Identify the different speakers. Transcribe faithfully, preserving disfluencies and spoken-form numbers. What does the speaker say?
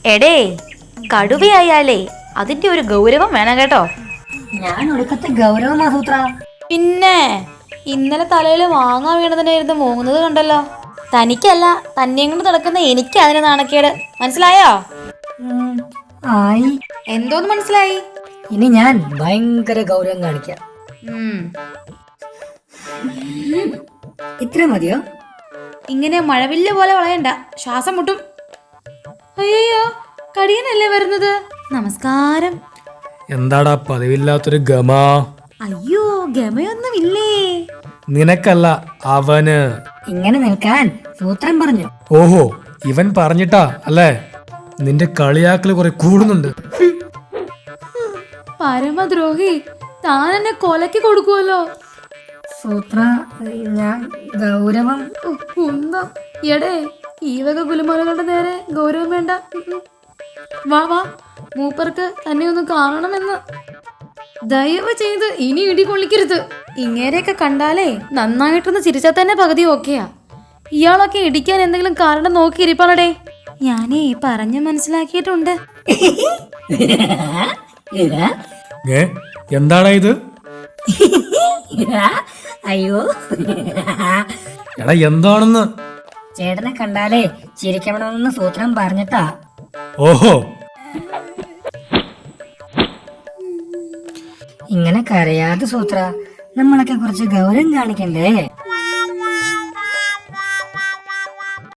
Speaker 1: എടേ, കടുവയായാലേ അതിന്റെ ഒരു ഗൗരവം വേണം കേട്ടോ.
Speaker 2: ഞാൻ ഒടുക്കത്തെ ഗൗരവമാ സൂത്ര.
Speaker 1: പിന്നെ ഇന്നലെ തലയിൽ വാങ്ങാൻ വീണതിനായിരുന്നു മൂങ്ങുന്നത് കണ്ടല്ലോ. തനിക്കല്ല, തന്നെയും കൊണ്ട് നടക്കുന്ന എനിക്ക് അതിന് നാണക്കേട്. മനസ്സിലായോ?
Speaker 2: ആയി.
Speaker 1: എന്തോന്ന് മനസ്സിലായി?
Speaker 2: ഇനി ഞാൻ ഭയങ്കര ഗൗരവം കാണിക്കാം. ഇത്ര മതിയോ?
Speaker 1: ഇങ്ങനെ മഴവില്ല് പോലെ വളയണ്ട, ശ്വാസം മുട്ടും. അയ്യോ, കടിയനല്ലേ വരുന്നത്. നമസ്കാരം.
Speaker 3: എന്താടാ പതിവില്ലാത്തൊരു ഗമ?
Speaker 1: അയ്യോ, ഗമയൊന്നുമില്ലേ.
Speaker 3: നിനക്കല്ല, അവന്.
Speaker 2: ഇങ്ങനെ നിൽക്കാൻ സൂത്രം പറഞ്ഞു.
Speaker 3: ഓഹോ, ഇവൻ പറഞ്ഞിട്ടാ അല്ലേ? നിന്റെ കളിയാക്കല് കുറെ കൂടുന്നുണ്ട്.
Speaker 1: പരമദ്രോഹി, താൻ എന്നെ കൊലക്ക് കൊടുക്കുമല്ലോ.
Speaker 2: സൂത്ര, ഞാൻ ഗൗരവം.
Speaker 1: ഉന്തം. എടേ, ഈ വക കുലുമാലകളുടെ നേരെ ഗൗരവം വേണ്ട. വാ വാ, മൂപ്പർക്ക് തന്നെ ഒന്ന് കാണണമെന്ന്. ദയവ് ചെയ്ത് ഇനി ഇടി കൊള്ളിക്കരുത്. ഇങ്ങനെയൊക്കെ കണ്ടാലേ നന്നായിട്ടൊന്ന് ചിരിച്ചാൽ തന്നെ പകുതി ഓക്കെയാ. ഇയാളൊക്കെ ഇടിക്കാൻ എന്തെങ്കിലും കാരണം നോക്കി ഇരിപ്പാളടേ. ഞാനേ പറഞ്ഞു മനസ്സിലാക്കിയിട്ടുണ്ട്.
Speaker 3: ഏ, എന്താടാ ഇത്?
Speaker 2: അയ്യോ,
Speaker 3: എടാ എന്താണെന്ന്?
Speaker 2: ചേട്ടനെ കണ്ടാലേ ചിരിക്കണമെന്ന് സൂത്രം പറഞ്ഞിട്ടാ.
Speaker 3: ഓഹോ,
Speaker 2: ഇങ്ങനെ കരയാതെ സൂത്ര, നമ്മളൊക്കെ കുറച്ച് ഗൗരവം കാണിക്കണ്ടേ?